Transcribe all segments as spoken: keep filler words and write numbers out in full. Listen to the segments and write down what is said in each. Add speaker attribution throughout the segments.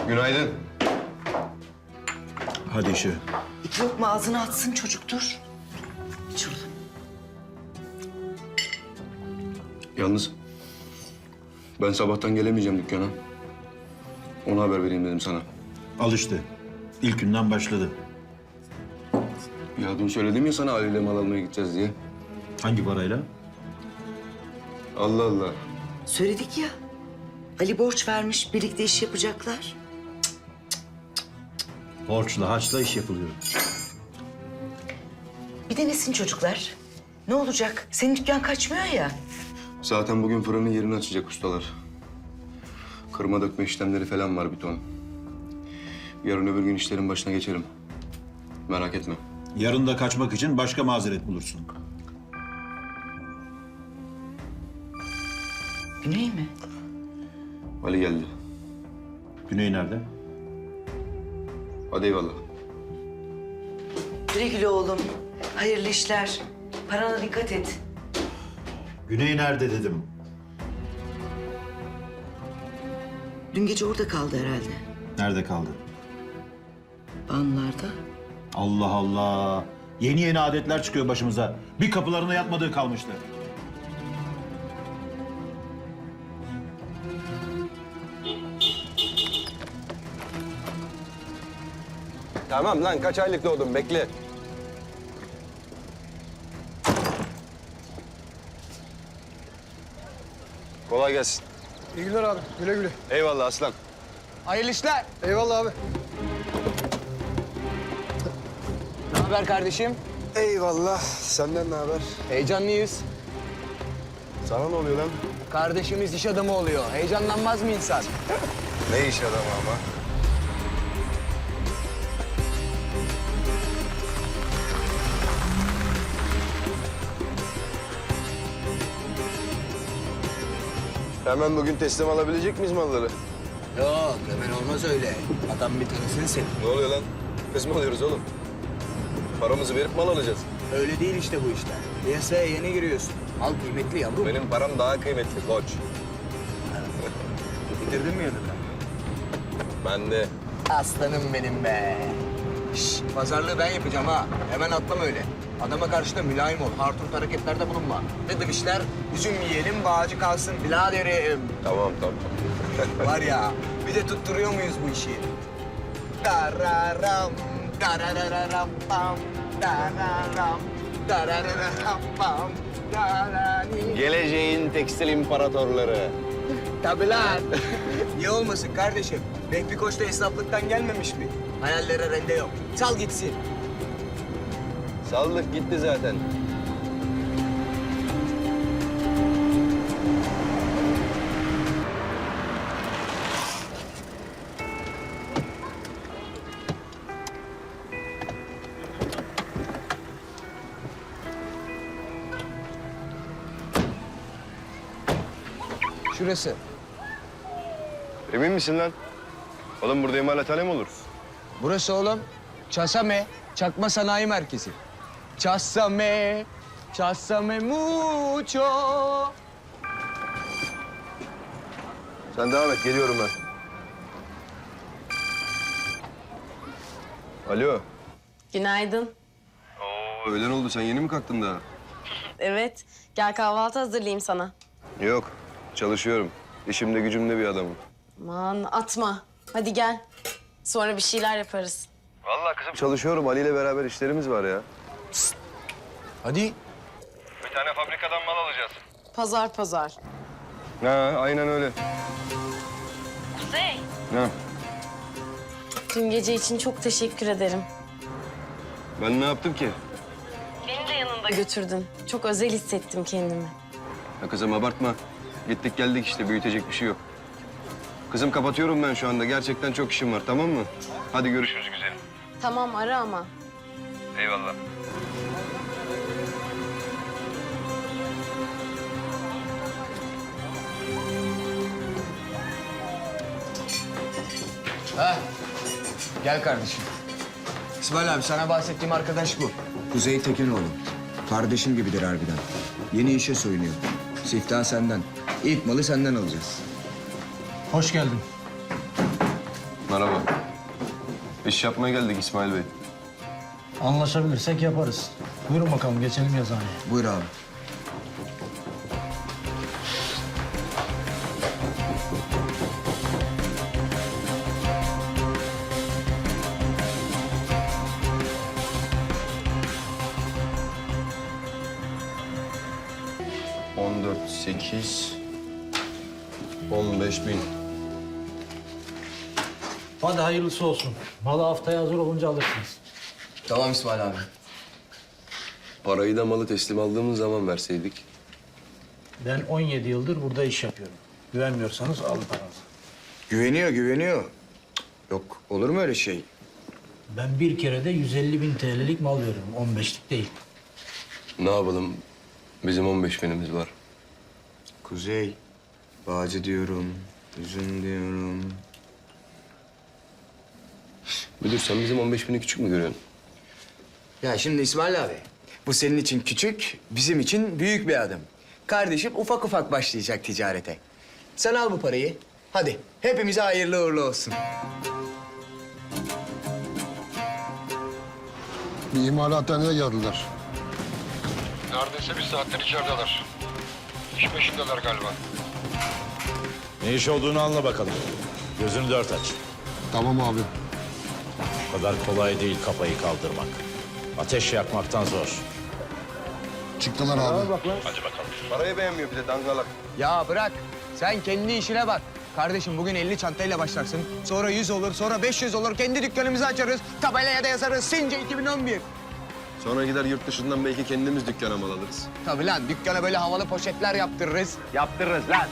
Speaker 1: Günaydın.
Speaker 2: Hadi işe.
Speaker 3: Yok mu ağzını atsın çocuk dur. İç oğlum.
Speaker 1: Yalnız ben sabahtan gelemeyeceğim dükkana. Ona haber vereyim dedim sana.
Speaker 2: Al işte. İlk günden başladı.
Speaker 1: Ya dün söyledim ya sana Ali ile mal almaya gideceğiz diye.
Speaker 2: Hangi parayla?
Speaker 1: Allah Allah.
Speaker 3: Söyledik ya. Ali borç vermiş, birlikte iş yapacaklar.
Speaker 2: Borçla, harçla iş yapılıyor.
Speaker 3: Bir denesin çocuklar. Ne olacak? Senin dükkan kaçmıyor ya.
Speaker 1: Zaten bugün fırının yerini açacak ustalar. Kırma dökme işlemleri falan var bir ton. Yarın öbür gün işlerin başına geçerim. Merak etme.
Speaker 2: Yarın da kaçmak için başka mazeret bulursun.
Speaker 3: Güney mi?
Speaker 1: Ali geldi.
Speaker 2: Güney nerede?
Speaker 1: Hadi eyvallah.
Speaker 3: Güle güle oğlum. Hayırlı işler. Parana dikkat et.
Speaker 2: Güney nerede dedim.
Speaker 3: Dün gece orada kaldı herhalde.
Speaker 2: Nerede kaldı?
Speaker 3: Banlarda.
Speaker 2: Allah Allah. Yeni yeni adetler çıkıyor başımıza. Bir kapılarına yatmadığı kalmıştı.
Speaker 4: Tamam lan kaç aylık doğdun bekle. Kolay gelsin.
Speaker 5: İyi günler abi. Güle güle.
Speaker 4: Eyvallah aslan.
Speaker 5: Hayırlı işler. Eyvallah abi.
Speaker 6: Ne haber kardeşim?
Speaker 4: Eyvallah. Senden ne haber?
Speaker 6: Heyecanlıyız.
Speaker 4: Sana ne oluyor lan?
Speaker 6: Kardeşimiz iş adamı oluyor. Heyecanlanmaz mı insan?
Speaker 4: Ne iş adamı ama? Hemen bugün teslim alabilecek miyiz malları?
Speaker 6: Yok hemen olmaz öyle. Adam bir tanısın seni.
Speaker 4: Ne oluyor lan? Kız mı alıyoruz oğlum? Paramızı verip mal alacağız.
Speaker 6: Öyle değil işte bu işler. Piyasaya yeni giriyorsun. Mal kıymetli yavrum.
Speaker 4: Benim param daha kıymetli koç.
Speaker 6: Bitirdin mi yanında?
Speaker 4: Ben de.
Speaker 6: Aslanım benim be. Şş, pazarlığı ben yapacağım ha. Hemen atlama öyle. Adama karşı da mülayim ol. Harturt hareketlerde bulunma. Ne demişler? Üzüm yiyelim, bağcı kalsın biraderim.
Speaker 4: Tamam tamam.
Speaker 6: Var ya, bir de tutturuyor muyuz bu işi? Dararam, darararam pam, dararam, darararam pam, darani.
Speaker 4: Geleceğin tekstil imparatorları.
Speaker 6: Tabii lan. Niye olmasın kardeşim? Vehbi Koç da esnaflıktan gelmemiş mi? Hayallere rende yok. Sal gitsin.
Speaker 4: Saldık gitti zaten.
Speaker 6: Şurası.
Speaker 4: Emin misin lan? Oğlum burada imalathane mi olur?
Speaker 6: Burası oğlum. Çasame, Çakma Sanayi Merkezi. Çasame, çasame mucho.
Speaker 4: Sen devam et, geliyorum ben. Alo.
Speaker 7: Günaydın.
Speaker 4: Oo, öğlen oldu. Sen yeni mi kalktın daha?
Speaker 7: Evet, gel kahvaltı hazırlayayım sana.
Speaker 4: Yok, çalışıyorum. İşimde gücümde bir adamım.
Speaker 7: Aman atma. Hadi gel. Sonra bir şeyler yaparız.
Speaker 4: Vallahi kızım çalışıyorum. Ali ile beraber işlerimiz var ya.
Speaker 6: Hadi.
Speaker 4: Bir tane fabrikadan mal alacağız.
Speaker 7: Pazar pazar.
Speaker 4: Ha, aynen öyle.
Speaker 7: Kuzey.
Speaker 4: Ha,
Speaker 7: Dün gece için çok teşekkür ederim.
Speaker 4: ben ne yaptım ki?
Speaker 7: Beni de yanında götürdün. Çok özel hissettim kendimi.
Speaker 4: Ya kızım abartma. Gittik geldik işte. Büyütecek bir şey yok. Kızım kapatıyorum ben şu anda. Gerçekten çok işim var, tamam mı? Hadi görüşürüz güzelim.
Speaker 7: Tamam ara ama.
Speaker 4: Eyvallah.
Speaker 6: Ha. Gel kardeşim. İsmail abi sana bahsettiğim arkadaş bu.
Speaker 8: Kuzey Tekinoğlu. Kardeşim gibidir harbiden. Yeni işe soyunuyor. Siftah senden. İlk malı senden alacağız.
Speaker 5: Hoş geldin.
Speaker 4: Merhaba. İş yapmaya geldik İsmail Bey.
Speaker 9: Anlaşabilirsek yaparız. Buyurun bakalım geçelim yazıhaneye.
Speaker 8: Buyur abi.
Speaker 4: on dört, sekiz, on beş bin.
Speaker 9: Hadi hayırlısı olsun. Malı haftaya hazır olunca alırsınız.
Speaker 4: Tamam İsmail abi. Parayı da malı teslim aldığımız zaman verseydik.
Speaker 9: Ben on yedi yıldır burada iş yapıyorum. Güvenmiyorsanız alın paranızı.
Speaker 8: Güveniyor, güveniyor. Cık, Yok, olur mu öyle şey?
Speaker 9: Ben bir kere de yüz elli bin T L'lik mal veriyorum. on beşlik değil.
Speaker 4: Ne yapalım? Bizim on beş binimiz var.
Speaker 8: Kuzey, Bağcı diyorum, üzüm diyorum.
Speaker 4: Müdür sen bizim on beş bini küçük mü görüyorsun?
Speaker 6: Ya şimdi İsmail abi, bu senin için küçük, bizim için büyük bir adım. Kardeşim ufak ufak başlayacak ticarete. Sen al bu parayı. Hadi hepimize hayırlı uğurlu olsun.
Speaker 5: Bir imalathaneye geldiler.
Speaker 10: Neredeyse bir saattir içerideler. İş peşindeler galiba.
Speaker 2: Ne iş olduğunu anla bakalım. Gözünü dört aç.
Speaker 5: Tamam abi.
Speaker 2: O kadar kolay değil kafayı kaldırmak. Ateş yakmaktan zor.
Speaker 5: Çıktılar abi.
Speaker 4: Parayı beğenmiyor bir de dangalak.
Speaker 6: Ya bırak, sen kendi işine bak. Kardeşim bugün elli çantayla başlarsın. Sonra yüz olur, sonra beş yüz olur. Kendi dükkanımızı açarız. Tabelaya da yazarız. Since iki bin on bir.
Speaker 4: Sonra gider yurt dışından belki kendimiz dükkana mal alırız.
Speaker 6: Tabii lan, dükkana böyle havalı poşetler yaptırırız. Yaptırırız lan.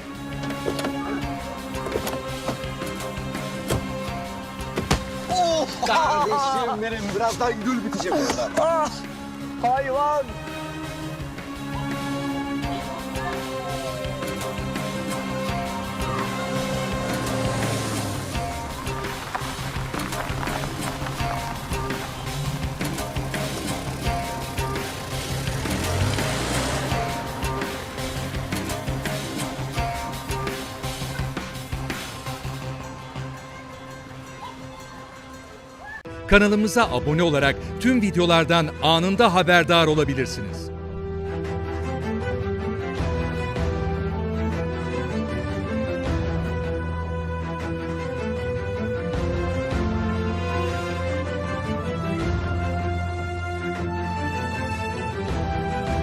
Speaker 6: Oh! Kardeşim benim, birazdan gül bitecek orada. Ah! Hayvan!
Speaker 11: Kanalımıza abone olarak tüm videolardan anında haberdar olabilirsiniz.